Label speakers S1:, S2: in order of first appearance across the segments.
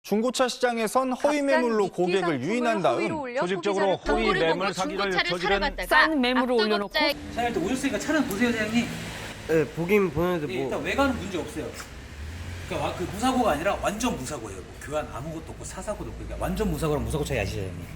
S1: 중고차 시장에선 허위 매물로 고객을 유인한 다음
S2: 조직적으로 허위 매물 사기를 저지른
S3: 싼 매물을 올려놓고
S4: 사장님 일단 오셨으니까 차는 보세요 사장님.
S5: 네, 보긴 보는데
S4: 네,
S5: 뭐
S4: 일단 외관은 문제 없어요. 그러니까 그 무사고가 아니라 완전 무사고예요. 뭐 교환 아무것도 없고 사사고도 없고 그러니까 완전 무사고랑 무사고 차이 아시죠 사장님?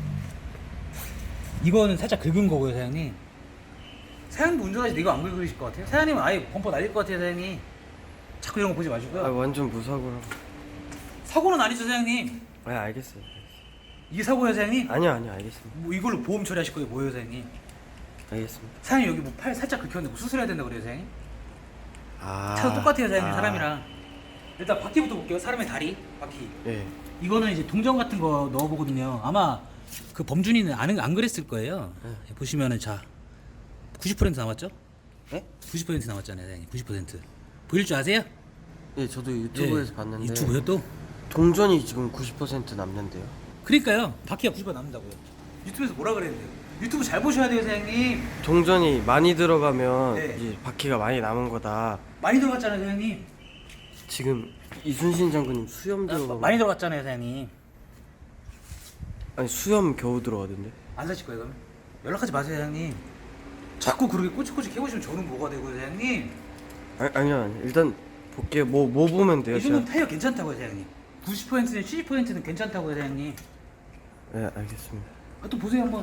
S4: 이거는 살짝 긁은 거고요 사장님. 사장님도 운전하실 때 이거 안 긁으실 것 같아요? 사장님은 아예 범퍼 날릴 것 같아요 사장님. 자꾸 이런 거 보지 마시고요.
S5: 완전 무사고라.
S4: 사고는 아니죠 사장님?
S5: 네, 알겠어요.
S4: 이게 사고예요 사장님?
S5: 아니요, 알겠습니다.
S4: 뭐 이걸로 보험 처리하실 거예요 뭐예요 사장님?
S5: 알겠습니다.
S4: 사장님 여기 뭐 팔 살짝 긁혔는데 뭐 수술해야 된다 그래요 사장님?
S5: 아,
S4: 차도 똑같아요 사장님 사람이랑. 일단 바퀴부터 볼게요. 사람의 다리 바퀴.
S5: 네.
S4: 이거는 이제 동전 같은 거 넣어보거든요. 아마 그 범준이는 안 그랬을 거예요. 보시면은 자 90% 남았죠?
S5: 네?
S4: 90% 남았잖아요 사장님. 90%. 보일 줄 아세요?
S5: 예, 저도 유튜브에서
S4: 예.
S5: 봤는데
S4: 유튜브요 또?
S5: 동전이 지금 90% 남는데요.
S4: 그러니까요. 바퀴가 90% 남는다고요. 유튜브에서 뭐라 그랬는데요? 유튜브 잘 보셔야 돼요 사장님.
S5: 동전이 많이 들어가면
S4: 네.
S5: 이제 바퀴가 많이 남은 거다.
S4: 많이 들어갔잖아요 사장님.
S5: 지금 이순신 장군님 수염 들어가
S4: 많이 들어갔잖아요 사장님.
S5: 아니 수염 겨우 들어가던데.
S4: 안 사실 거예요 그러면? 연락하지 마세요 사장님. 자꾸 그렇게 꼬치꼬치 해보시면 저는 뭐가 되고요 사장님.
S5: 아니요. 일단 볼게요. 뭐 보면 돼요?
S4: 이 정도는
S5: 제가?
S4: 타이어 괜찮다고요 사장님. 90%는 70%는 괜찮다고요 사장님.
S5: 네, 알겠습니다.
S4: 아, 또 보세요 한번.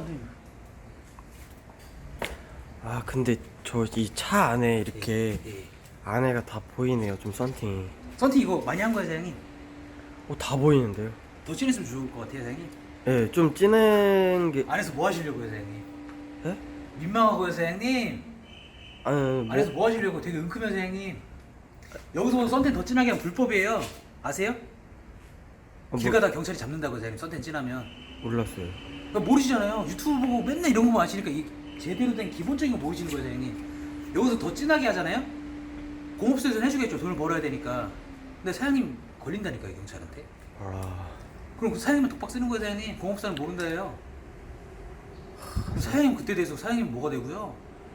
S5: 아, 근데 저 이 차 안에 이렇게
S4: 예.
S5: 안에가 다 보이네요. 좀 썬팅이.
S4: 선팅 이거 많이 한 거예요 사장님?
S5: 다 보이는데요.
S4: 더 진했으면 좋을 것 같아요 사장님.
S5: 네, 좀 진한 게.
S4: 안에서 뭐 하시려고요 사장님?
S5: 예?
S4: 민망하고요 사장님.
S5: 아니,
S4: 안에서 뭐 하시려고? 되게 은큼해요 사장님. 여기서 썬텐 더 진하게 하면 불법이에요. 아세요? 길 가다 경찰이 잡는다고요 사장님. 썬텐 진하면.
S5: 몰랐어요.
S4: 그러니까 모르시잖아요. 유튜브 보고 맨날 이런 거만 아시니까 이 제대로 된 기본적인 거 모르시는 거예요 사장님. 여기서 더 진하게 하잖아요. 공업소에서는 해주겠죠. 돈을 벌어야 되니까. 근데 사장님 걸린다니까요 경찰한테.
S5: 아,
S4: 그럼 그 사장님은 독박 쓰는 거예요 사장님. 공업사는 모른다 해요. 그럼 사장님 그때 대해서 사장님 뭐가 되고요?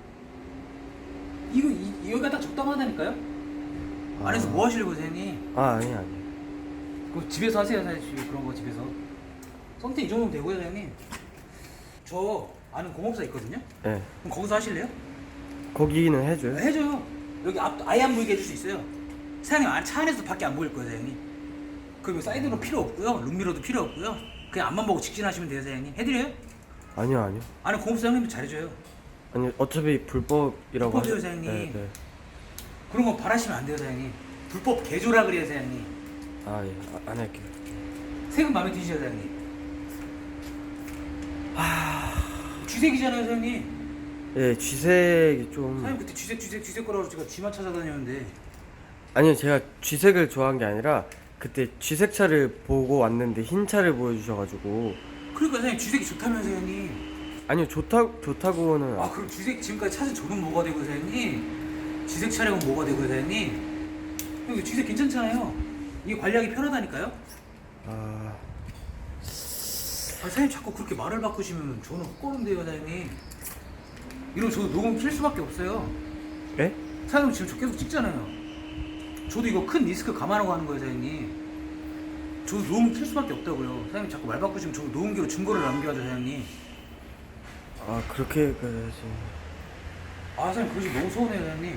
S4: 여기가 딱 적당하다니까요? 안에서 뭐 하시려고 사장님?
S5: 아니.
S4: 그럼 집에서 하세요 사장님. 그런 거 집에서. 선택 이 정도면 되고요 사장님. 저 아는 공업사 있거든요?
S5: 네.
S4: 그럼 거기서 하실래요?
S5: 거기는 해줘요?
S4: 해줘요. 여기 앞 아예 안 보이게 해줄 수 있어요. 사장님 차 안에서 밖에 안 보일 거예요 사장님. 그리고 사이드로 필요 없고요. 룸미러도 필요 없고요. 그냥 앞만 보고 직진하시면 돼요 사장님. 해드려요?
S5: 아니요.
S4: 아는 공업사 형님도 잘해줘요.
S5: 아니, 어차피 불법이라고
S4: 불법이에요,
S5: 하죠.
S4: 사장님.
S5: 네.
S4: 그런 거 바라시면 안 돼요 사장님. 불법 개조라 그래요 사장님.
S5: 아, 예. 안 할게요.
S4: 세금 마음에 드시죠 사장님? 쥐색이잖아요 사장님.
S5: 예, 쥐색이 좀.
S4: 사장님 그때 쥐색 거라고 제가 쥐만 찾아다녔는데.
S5: 아니요, 제가 쥐색을 좋아한 게 아니라 그때 쥐색 차를 보고 왔는데 흰 차를 보여주셔가지고.
S4: 그러니까 사장님 쥐색이 좋다면서요 형님.
S5: 아니요, 좋다고는.
S4: 아 그럼 쥐색 지금까지 찾은 저는 뭐가 되고 사장님? 쥐색 차량은 뭐가 되고 사장님? 여기 쥐색 괜찮잖아요. 이게 관리하기 편하다니까요?
S5: 아,
S4: 사장님 자꾸 그렇게 말을 바꾸시면 저는 헛걸음돼요 사장님. 이러면 저도 녹음 킬 수밖에 없어요.
S5: 예?
S4: 사장님 지금 저 계속 찍잖아요. 저도 이거 큰 리스크 감안하고 하는 거예요 사장님. 저도 녹음 킬 수밖에 없다고요. 사장님 자꾸 말 바꾸시면 저도 녹음기로 증거를 남겨야죠 사장님.
S5: 아, 그렇게 가야지.
S4: 아 사장님 그러시 너무 서운해요 사장님.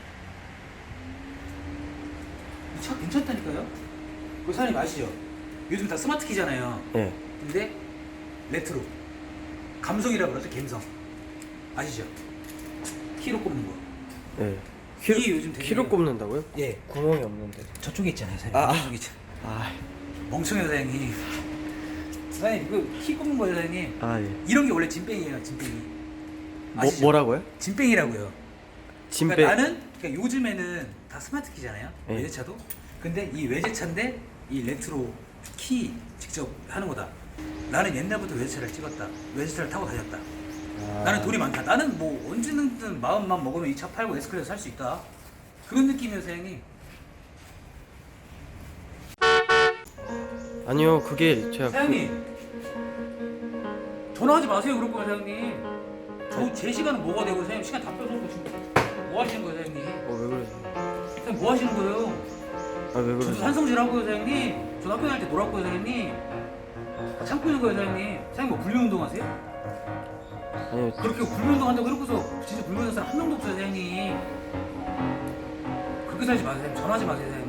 S4: 이 차 괜찮다니까요? 그 사장님 아시죠? 요즘 다 스마트 키잖아요.
S5: 예.
S4: 근데 레트로 감성이라 그러죠. 감성 아시죠? 키로 꼽는 거.
S5: 예.
S4: 이게 요즘 되게
S5: 키로 꼽는다고요?
S4: 예
S5: 구멍이 없는데.
S4: 저쪽에 있잖아요 사장님.
S5: 아.
S4: 저쪽에 있잖아요.
S5: 아,
S4: 멍청해요 사장님. 사장님 그 키 꼽는 거예요 사장님.
S5: 아, 예.
S4: 이런 게 원래 진뺑이에요 진뺑이. 아시죠?
S5: 뭐라고요?
S4: 진뺑이라고요.
S5: 진배.
S4: 그러니까 나는 그러니까 요즘에는 다 스마트 키잖아요.
S5: 네.
S4: 외제차도. 근데 이 외제차인데 이 레트로 키 직접 하는 거다. 나는 옛날부터 외제차를 찍었다. 외제차를 타고 다녔다.
S5: 아.
S4: 나는 돈이 많다. 나는 뭐 언제든 마음만 먹으면 이 차 팔고 에스컬레이터 살 수 있다. 그런 느낌이에요 사장님.
S5: 아니요, 그게 제가.
S4: 사장님 전화하지 마세요 그럴 거예요 사장님. 제 시간은 뭐가 되고 사장님 시간 다 뺏어놓고 지금 뭐 하시는 거예요 사장님?
S5: 왜 그러세요?
S4: 사장님 뭐 하시는 거예요?
S5: 아, 왜
S4: 저도
S5: 그러세요?
S4: 산성질 하고요 사장님. 저 학교 다닐 때 놀았고요 사장님. 참고 있는 거예요 사장님. 사장님 뭐 불매운동 하세요?
S5: 아니
S4: 그렇게 불매운동 한다고 해놓고서 진짜 불매하는 사람 한 명도 없어요 사장님. 그렇게 살지 마세요 사장님. 전화하지 마세요 사장님.